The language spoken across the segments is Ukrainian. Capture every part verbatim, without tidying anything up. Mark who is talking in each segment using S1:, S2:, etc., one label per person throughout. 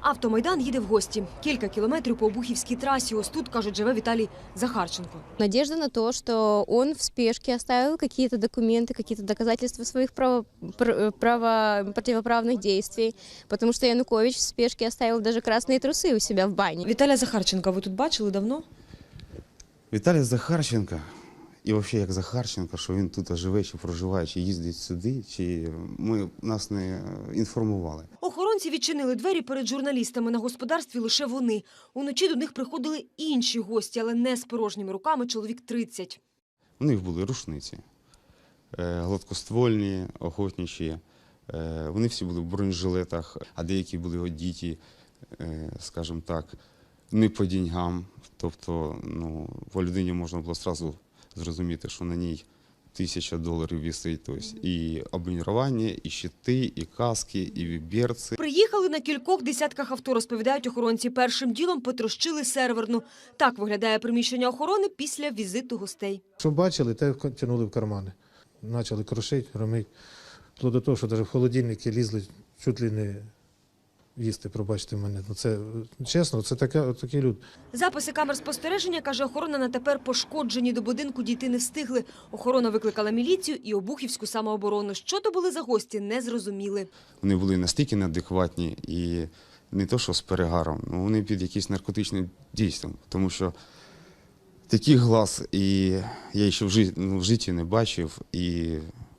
S1: Автомайдан їде в гості. Кілька кілометрів по Обухівській трасі. Ось тут, кажуть, живе Віталій Захарченко.
S2: Надежда на то, что он в спешке оставил какие-то документы, какие-то доказательства своих право, право, противоправных действий, потому что Янукович в спешке оставил даже красные трусы у себя в бане.
S1: Віталія Захарченка ви тут бачили давно?
S3: Віталій Захарченко, і взагалі як Захарченко, що він тут живе, чи проживає, чи їздить сюди, чи ми нас не інформували.
S1: Охоронці відчинили двері перед журналістами. На господарстві лише вони. Уночі до них приходили інші гості, але не з порожніми руками, чоловік тридцять.
S3: У них були рушниці, гладкоствольні, охотничі. Вони всі були в бронежилетах, а деякі були одіті, скажімо так, не по деньгам. Тобто, ну, по людині можна було одразу зрозуміти, що на ній тисяча доларів висить. Тобто і обмінювання, і щити, і каски, і берці.
S1: Приїхали на кількох десятках авто, розповідають охоронці. Першим ділом потрощили серверну. Так виглядає приміщення охорони після візиту гостей.
S4: Що бачили, те тягнули в кармани. Почали крошити, громити. Вплоть до того, що навіть в холодильники лізли чуть ли не їсти, пробачте мене. Ну, це, чесно, це таке, такі люди.
S1: Записи камер спостереження, каже охорона, на тепер пошкоджені. До будинку дійти не встигли. Охорона викликала міліцію і Обухівську самооборону. Що то були за гості, не зрозуміли.
S3: Вони були настільки неадекватні і не то, що з перегаром, ну, вони під якимось наркотичним дійством. Тому що такий глаз і я ще в житті, ну, в житті не бачив, і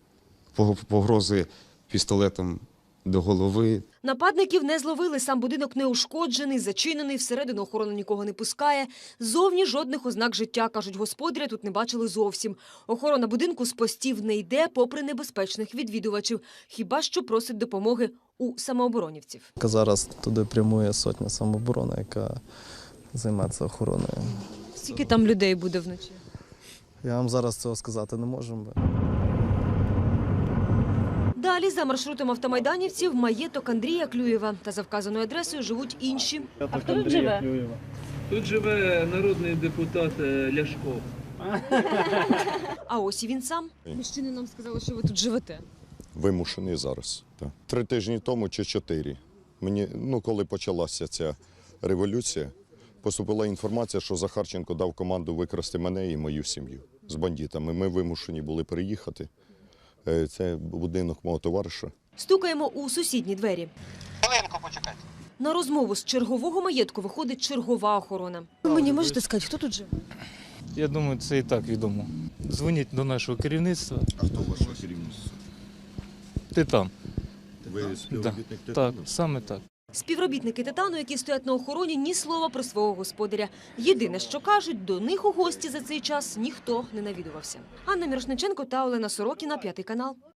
S3: погрози пістолетом до голови.
S1: Нападників не зловили, сам будинок не ушкоджений, зачинений, всередину охорона нікого не пускає. Зовні жодних ознак життя, кажуть господаря, тут не бачили зовсім. Охорона будинку з постів не йде, попри небезпечних відвідувачів. Хіба що просить допомоги у самооборонівців.
S5: Зараз туди прямує сотня самооборони, яка займається охороною.
S1: Скільки там людей буде вночі?
S5: Я вам зараз цього сказати не можу.
S1: Далі, за маршрутом автомайданівців, маєток Андрія Клюєва. Та за вказаною адресою живуть інші.
S6: А хто тут живе? Тут живе народний депутат Ляшко.
S1: А ось і він сам. Мужчини нам сказали, що ви тут живете.
S7: Вимушений зараз. Так. Три тижні тому чи чотири. Мені, ну, коли почалася ця революція, поступила інформація, що Захарченко дав команду викрасти мене і мою сім'ю з бандитами. Ми вимушені були приїхати. Це будинок мого товариша.
S1: Стукаємо у сусідні двері.
S8: Хвилинку почекайте.
S1: На розмову з чергового маєтку виходить чергова охорона. Ви мені можете сказати, хто тут живе?
S9: Я думаю, це і так відомо. Дзвоніть до нашого керівництва.
S7: А хто ваше керівництво?
S9: Титан.
S7: Ви співробітник
S9: Так,
S7: Титану?
S9: так, саме так.
S1: Співробітники Титану, які стоять на охороні, ні слова про свого господаря. Єдине, що кажуть, до них у гості за цей час ніхто не навідувався. Анна Мірошниченко та Олена Сорокіна, П'ятий канал.